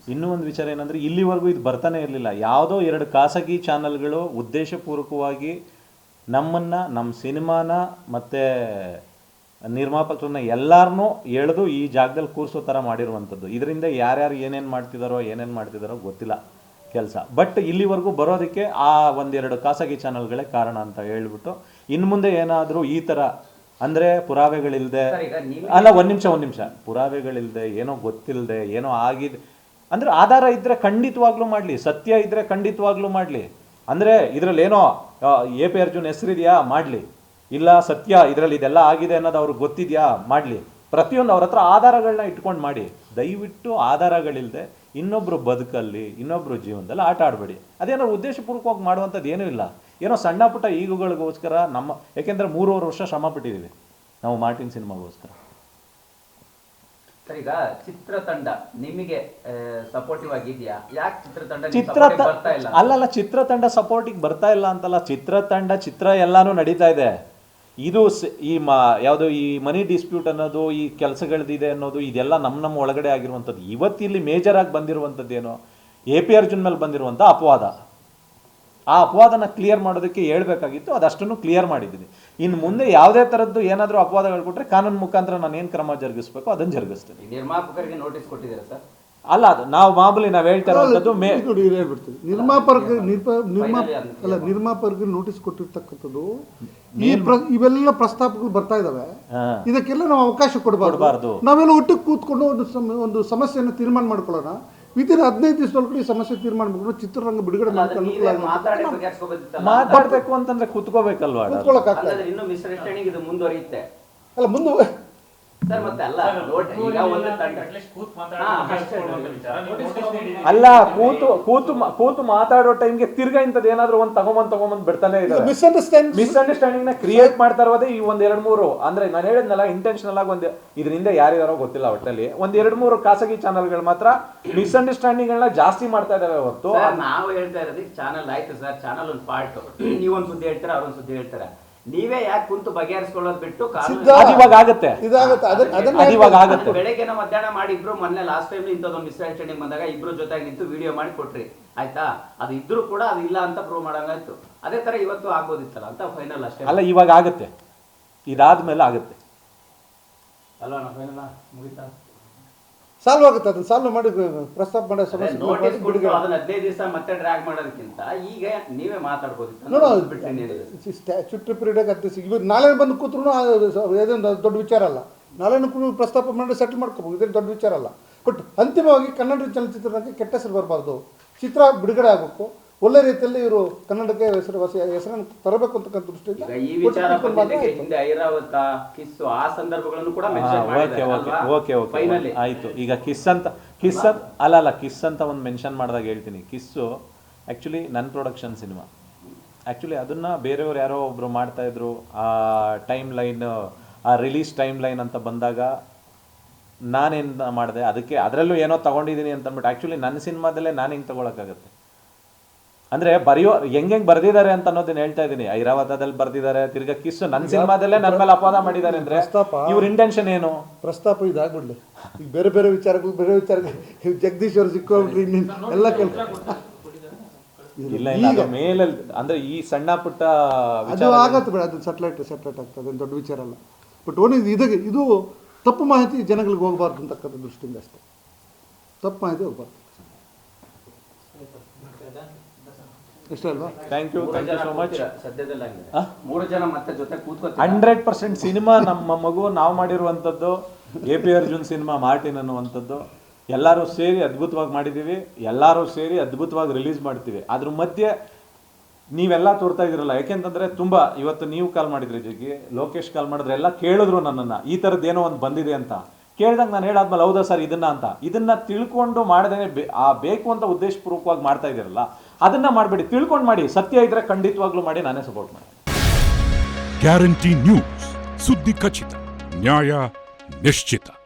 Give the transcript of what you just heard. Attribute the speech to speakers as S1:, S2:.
S1: ಇನ್ನೂ ಒಂದು ವಿಚಾರ ಏನಂದರೆ ಇಲ್ಲಿವರೆಗೂ ಇದು ಬರ್ತಾನೆ ಇರಲಿಲ್ಲ. ಯಾವುದೋ 2 ಖಾಸಗಿ ಚಾನಲ್ಗಳು ಉದ್ದೇಶಪೂರ್ವಕವಾಗಿ ನಮ್ಮನ್ನು, ನಮ್ಮ ಸಿನಿಮಾನ ಮತ್ತು ನಿರ್ಮಾಪಕರನ್ನ ಎಲ್ಲರನ್ನೂ ಎಳೆದು ಈ ಜಾಗದಲ್ಲಿ ಕೂರಿಸೋ ಥರ ಮಾಡಿರುವಂಥದ್ದು. ಇದರಿಂದ ಯಾರ್ಯಾರು ಏನೇನು ಮಾಡ್ತಿದ್ದಾರೋ ಗೊತ್ತಿಲ್ಲ ಕೆಲಸ. ಬಟ್ ಇಲ್ಲಿವರೆಗೂ ಬರೋದಕ್ಕೆ ಆ 1-2 ಖಾಸಗಿ ಚಾನಲ್ಗಳೇ ಕಾರಣ ಅಂತ ಹೇಳ್ಬಿಟ್ಟು, ಇನ್ನು ಮುಂದೆ ಏನಾದರೂ ಈ ಥರ ಅಂದರೆ ಪುರಾವೆಗಳಿಲ್ಲದೆ, ಅಲ್ಲ ಒಂದು ನಿಮಿಷ, ಪುರಾವೆಗಳಿಲ್ಲದೆ, ಏನೋ ಗೊತ್ತಿಲ್ಲದೆ, ಏನೋ ಆಗಿದೆ ಅಂದರೆ ಆಧಾರ ಇದ್ದರೆ ಖಂಡಿತವಾಗ್ಲೂ ಮಾಡಲಿ, ಸತ್ಯ ಇದ್ದರೆ ಖಂಡಿತವಾಗ್ಲೂ ಮಾಡಲಿ. ಅಂದರೆ ಇದರಲ್ಲಿ ಏನೋ AP ಅರ್ಜುನ್ ಹೆಸರಿದೆಯಾ ಮಾಡಲಿ, ಇಲ್ಲ ಸತ್ಯ ಇದರಲ್ಲಿ ಇದೆಲ್ಲ ಆಗಿದೆ ಅನ್ನೋದು ಅವ್ರಿಗೆ ಗೊತ್ತಿದೆಯಾ ಮಾಡಲಿ. ಪ್ರತಿಯೊಂದು ಅವ್ರ ಹತ್ರ ಆಧಾರಗಳನ್ನ ಇಟ್ಕೊಂಡು ಮಾಡಿ. ದಯವಿಟ್ಟು ಆಧಾರಗಳಿಲ್ಲದೆ ಇನ್ನೊಬ್ಬರು ಬದುಕಲ್ಲಿ, ಇನ್ನೊಬ್ಬರು ಜೀವನದಲ್ಲಿ ಆಟ ಆಡಬೇಡಿ. ಅದೇನೋ ಉದ್ದೇಶಪೂರ್ವಕವಾಗಿ ಮಾಡುವಂಥದ್ದು ಏನೂ ಇಲ್ಲ. ಏನೋ ಸಣ್ಣ ಪುಟ್ಟ ಈಗುಗಳಿಗೋಸ್ಕರ ಯಾಕೆಂದರೆ 3.5 ವರ್ಷ ಶ್ರಮ ಪಟ್ಟಿದ್ದೀವಿ ನಾವು ಮಾರ್ಟಿನ್ ಸಿನಿಮಾಗೋಸ್ಕರ.
S2: ಈಗ ಚಿತ್ರತಂಡ ನಿಮಗೆ ಸಪೋರ್ಟಿವ್ ಆಗಿದೆಯಾ? ಯಾಕೆ ಚಿತ್ರತಂಡ
S1: ಅಲ್ಲಲ್ಲ, ಚಿತ್ರತಂಡ ಸಪೋರ್ಟಿಗೆ ಬರ್ತಾ ಇಲ್ಲ ಅಂತಲ್ಲ, ಚಿತ್ರ ಎಲ್ಲಾನು ನಡೀತಾ ಇದೆ. ಇದು ಯಾವುದು ಈ ಮನಿ ಡಿಸ್ಪ್ಯೂಟ್ ಅನ್ನೋದು, ಈ ಕೆಲಸಗಳದಿದೆ ಅನ್ನೋದು, ಇದೆಲ್ಲ ನಮ್ಮ ಒಳಗಡೆ ಆಗಿರುವಂಥದ್ದು. ಇವತ್ತಿಲ್ಲಿ ಮೇಜರ್ ಆಗಿ ಬಂದಿರುವಂಥದ್ದೇನು, AP ಅರ್ಜುನ್ ಮೇಲೆ ಬಂದಿರುವಂಥ ಅಪವಾದ. ಆ ಅಪವಾದನ ಕ್ಲಿಯರ್ ಮಾಡೋದಕ್ಕೆ ಹೇಳ್ಬೇಕಾಗಿತ್ತು, ಅದಷ್ಟನ್ನು ಕ್ಲಿಯರ್ ಮಾಡಿದ್ದೀನಿ. ಇನ್ನು ಮುಂದೆ ಯಾವುದೇ ಥರದ್ದು ಏನಾದರೂ ಅಪವಾದಗಳು ಕೊಟ್ಟರೆ ಕಾನೂನು ಮುಖಾಂತರ ನಾನು ಏನು ಕ್ರಮ ಜರುಗಿಸ್ಬೇಕು ಅದನ್ನು ಜರುಗಿಸ್ತೀನಿ.
S2: ನಿರ್ಮಾಪಕರಿಗೆ ನೋಟಿಸ್ ಕೊಟ್ಟಿದ್ದೀರಾ ಸರ್?
S1: ಅಲ್ಲ, ಅದು ನಾವು ಹೇಳ್ತಾ ಇರೋದು
S3: ನಿರ್ಮಾಪಕರಿಗೆ ನೋಟಿಸ್ ಕೊಟ್ಟಿರ್ತಕ್ಕಂಥದ್ದು. ಇವೆಲ್ಲ ಪ್ರಸ್ತಾಪಗಳು ಬರ್ತಾ ಇದಾವೆ, ಇದಕ್ಕೆಲ್ಲ ನಾವು ಅವಕಾಶ ಕೊಡಬಾರ್ದು. ನಾವೆಲ್ಲ ಒಟ್ಟಿಗೆ ಕೂತ್ಕೊಂಡು ಒಂದು ಸಮಸ್ಯೆಯನ್ನು ತೀರ್ಮಾನ ಮಾಡ್ಕೊಳ್ಳೋಣ. ವಿತಿನ್ 15 ದಿವಸದೊಳಗಡೆ ಈ ಸಮಸ್ಯೆ ತೀರ್ಮಾನ ಮಾಡ್ಕೊಂಡು ಚಿತ್ರರಂಗ ಬಿಡುಗಡೆ
S1: ಮಾತಾಡ್ಬೇಕು ಅಂತಂದ್ರೆ ಕೂತ್ಕೋಬೇಕಲ್ವಾ?
S3: ಅಲ್ಲ ಮುಂದೆ
S1: ಅಲ್ಲ, ಕೂತು ಮಾತಾಡೋ ಟೈಮ್ಗೆ ತಿರ್ಗಾ ಇಂಥದ್ದು ಏನಾದ್ರು ಒಂದು ತಗೊಂಬಂದ್ ಬಿಡ್ತಾನೆ ಇದ್ದಾರೆ. ಮಿಸ್ಅಂಡರ್ಸ್ಟ್ಯಾಂಡಿಂಗ್ ನ ಕ್ರಿಯೇಟ್ ಮಾಡ್ತಾ ಇರೋದೇ ಈ 1-2-3 ಅಂದ್ರೆ ನಾನು ಹೇಳಿದ್ನಲ್ಲ, ಇಂಟೆನ್ಷನಲ್ ಆಗಿ ಇದರಿಂದ ಯಾರ್ಯಾರೋ ಗೊತ್ತಿಲ್ಲ, ಒಟ್ಟಲ್ಲಿ 1-2-3 ಖಾಸಗಿ ಚಾನಲ್ಗಳು ಮಾತ್ರ ಮಿಸ್ಅಂಡರ್ಸ್ಟ್ಯಾಂಡಿಂಗ್ ಗಳನ್ನ ಜಾಸ್ತಿ ಮಾಡ್ತಾ ಇದಾವೆ ಹೊರತು.
S2: ನಾವು ಹೇಳ್ತಾ ಇರೋದಕ್ಕೆ ಚಾನಲ್ ಆಯ್ತು ಸರ್, ಚಾನಲ್ ಒಂದು ಪಾರ್ಟ್. ನೀವೊಂದು ಸುದ್ದಿ ಹೇಳ್ತಾರೆ, ಅವ್ರೊಂದು ಸುದ್ದಿ ಹೇಳ್ತಾರೆ. ನೀವೇ ಯಾಕೆ ಕುಂತು ಬಗೆಹರಿಸ್ಕೊಳ್ಳೋದು ಬಿಟ್ಟು
S1: ಇವಾಗ ಆಗುತ್ತೆ.
S2: ಬೆಳಗ್ಗೆನ ಮಧ್ಯಾಹ್ನ ಮಾಡಿ ಇಬ್ರು ಮೊನ್ನೆ ಲಾಸ್ಟ್ ಟೈಮ್ ಇಂಥದ್ದೊಂದು ಮಿಸ್ಅಂಡರ್ಸ್ಟ್ಯಾಂಡಿಂಗ್ ಬಂದಾಗ ಇಬ್ರು ಜೊತೆಗೆ ನಿಂತು ವಿಡಿಯೋ ಮಾಡಿ ಕೊಟ್ರಿ, ಆಯ್ತಾ? ಅದು ಇದ್ರೂ ಕೂಡ ಅದು ಇಲ್ಲ ಅಂತ ಪ್ರೂವ್ ಮಾಡಂಗಾಯ್ತು. ಅದೇ ತರ ಇವತ್ತು ಆಗ್ಬೋದಿತ್ತಲ್ಲ ಅಂತ ಫೈನಲ್ ಅಷ್ಟೇ.
S1: ಅಲ್ಲ, ಇವಾಗ ಆಗುತ್ತೆ, ಇದಾದ್ಮೇಲೆ ಆಗುತ್ತೆ
S2: ಅಲ್ವಾ? ಫೈನಲ್ ಮುಗಿತಾ
S3: ಸಾಲ್ವ್ ಆಗುತ್ತೆ. ಅದನ್ನ ಸಾಲ್ವ್ ಮಾಡಿ ಪ್ರಸ್ತಾಪ ಮಾಡೋ ಸಮಸ್ಯೆ
S2: 15 ದಿವಸ ಮತ್ತೆ ಡ್ರ್ಯಾಗ್ ಮಾಡೋದಕ್ಕಿಂತ ಈಗ ನೀವೇ ಮಾತಾಡ್ಬೋದಿತ್ತು.
S3: ಸ್ಟ್ಯಾಚ್ಯೂಟರಿ ಪೀರಿಯಡ್ ನಾಳೆ ಬಂದು ಕೂತ್ರು ಅದೇನು ದೊಡ್ಡ ವಿಚಾರ ಅಲ್ಲ. ನಾಳೆನೂ ಪ್ರಸ್ತಾಪ ಮಾಡಿ ಸೆಟಲ್ ಮಾಡ್ಕೋಬಹುದು, ಇದೇನು ದೊಡ್ಡ ವಿಚಾರ ಅಲ್ಲ. ಬಟ್ ಅಂತಿಮವಾಗಿ ಕನ್ನಡ ಚಲನಚಿತ್ರರಂಗಕ್ಕೆ ಕೆಟ್ಟ ಹೆಸರು ಬರಬಾರ್ದು. ಚಿತ್ರ ಬಿಡುಗಡೆ ಆಗಬೇಕು, ಒಳ್ಳೆ ರೀತಿಯಲ್ಲಿ ಇವರು ಕನ್ನಡಕ್ಕೆ ಹೆಸರನ್ನು ತರಬೇಕು ಅಂತಕ್ಕಂಥ ದೃಷ್ಟಿಯಿಂದ
S2: ಈ ವಿಚಾರ ಹಿಂದೆ ಐರಾವತ ಕಿಸ್ಸು ಆ ಸಂದರ್ಭಗಳನ್ನು ಕೂಡ
S1: ಆಯ್ತು. ಈಗ ಕಿಸ್ ಅಂತ ಒಂದು ಮೆನ್ಷನ್ ಮಾಡಿದಾಗ ಹೇಳ್ತೀನಿ. ಕಿಸ್ಸು ಆ್ಯಕ್ಚುಲಿ ನನ್ನ ಪ್ರೊಡಕ್ಷನ್ ಸಿನಿಮಾ. ಆ್ಯಕ್ಚುಲಿ ಅದನ್ನು ಬೇರೆಯವ್ರು ಯಾರೋ ಒಬ್ಬರು ಮಾಡ್ತಾಯಿದ್ರು. ಆ ಟೈಮ್ ಲೈನ್, ಆ ರಿಲೀಸ್ ಟೈಮ್ ಲೈನ್ ಅಂತ ಬಂದಾಗ ನಾನೇನು ಮಾಡಿದೆ, ಅದಕ್ಕೆ ಅದರಲ್ಲೂ ಏನೋ ತೊಗೊಂಡಿದ್ದೀನಿ ಅಂತ ಅಂದ್ಬಿಟ್ಟು ಆ್ಯಕ್ಚುಲಿ ನನ್ನ ಸಿನಿಮಾದಲ್ಲೇ ನಾನು ಹೆಂಗೆ ತೊಗೊಳಕ್ಕಾಗತ್ತೆ? ಅಂದರೆ ಹೆಂಗೆ ಬರ್ದಿದ್ದಾರೆ ಅಂತ ಅನ್ನೋದನ್ನ ಹೇಳ್ತಾ ಇದ್ದೀನಿ. ಐರಾವತದಲ್ಲಿ ಬರ್ದಿದ್ದಾರೆ, ತಿರ್ಗಾ ಕಿಸ್ಸು ನನ್ನ ಸಿನಿಮಾದಲ್ಲೇ ನನ್ನ ಮೇಲೆ ಅಪವಾದ ಮಾಡಿದ್ದಾರೆ ಅಂದರೆ ಇವ್ರ ಇಂಟೆನ್ಷನ್ ಏನು?
S3: ಪ್ರಸ್ತಾಪ ಇದಾಗ್ಬಿಡ್ಲಿ. ಈಗ ಬೇರೆ ವಿಚಾರಗಳು ಜಗದೀಶ್ ಅವರು ಸಿಕ್ಕೋಬಿಟ್ರಿ ಎಲ್ಲ
S1: ಇಲ್ಲ ಮೇಲೆ ಅಂದ್ರೆ ಈ ಸಣ್ಣ ಪುಟ್ಟ
S3: ಅದು ಆಗತ್ತೆ ಬಿಡ, ಅದು ಸೆಟ್ಲೈಟ್ ಆಗ್ತದೆ, ದೊಡ್ಡ ವಿಚಾರ ಅಲ್ಲ. ಬಟ್ ಇದು ತಪ್ಪು ಮಾಹಿತಿ ಜನಗಳಿಗೆ ಹೋಗಬಾರ್ದು ಅಂತಕ್ಕಂಥ ದೃಷ್ಟಿಯಿಂದ ಅಷ್ಟೇ. ತಪ್ಪು ಮಾಹಿತಿ ಹೋಗ್ಬಾರ್ದು. ಇಷ್ಟ ಅಲ್ವಾ?
S1: Thank you so much.
S2: ಸದ್ಯದಲ್ಲಿ 3 ಜನ ಮತ್ತೆ ಜೊತೆ ಕೂತ್ಕೊಳ್ತಾರೆ.
S1: 100% ಸಿನಿಮಾ ನಮ್ಮ ಮಗು ನಾವು ಮಾಡಿರುವಂಥದ್ದು. AP ಅರ್ಜುನ್ ಸಿನಿಮಾ ಮಾರ್ಟಿನ್ ಅನ್ನುವಂಥದ್ದು ಎಲ್ಲರೂ ಸೇರಿ ಅದ್ಭುತವಾಗಿ ಮಾಡಿದ್ದೀವಿ. ಎಲ್ಲರೂ ಸೇರಿ ಅದ್ಭುತವಾಗಿ ರಿಲೀಸ್ ಮಾಡ್ತೀವಿ. ಅದ್ರ ಮಧ್ಯೆ ನೀವೆಲ್ಲ ತೋರ್ತಾ ಇದ್ದೀರಲ್ಲ, ಯಾಕೆಂತಂದರೆ ತುಂಬ ಇವತ್ತು ನೀವು ಕಾಲ್ ಮಾಡಿದ್ರಿ, ಜಗ್ಗಿ ಲೋಕೇಶ್ ಕಾಲ್ ಮಾಡಿದ್ರೆ ಎಲ್ಲ ಕೇಳಿದ್ರು ನನ್ನನ್ನು, ಈ ಥರದ್ದು ಏನೋ ಒಂದು ಬಂದಿದೆ ಅಂತ ಕೇಳಿದಾಗ ನಾನು ಹೇಳಾದ್ಮೇಲೆ ಹೌದಾ ಸರ್ ಇದನ್ನ ತಿಳ್ಕೊಂಡು ಮಾಡದೇನೆ ಬೇಕು ಅಂತ ಉದ್ದೇಶಪೂರ್ವಕವಾಗಿ ಮಾಡ್ತಾ ಇದ್ದೀರಲ್ಲ, ಅದನ್ನ ಮಾಡಬೇಡಿ, ತಿಳ್ಕೊಂಡು ಮಾಡಿ. ಸತ್ಯ ಇದ್ರೆ ಖಂಡಿತವಾಗ್ಲೂ ಮಾಡಿ, ನಾನೇ ಸಪೋರ್ಟ್ ಮಾಡಿ.
S4: ಗ್ಯಾರಂಟಿ ನ್ಯೂಸ್, ಸುದ್ದಿ ಖಚಿತ, ನ್ಯಾಯ ನಿಶ್ಚಿತ.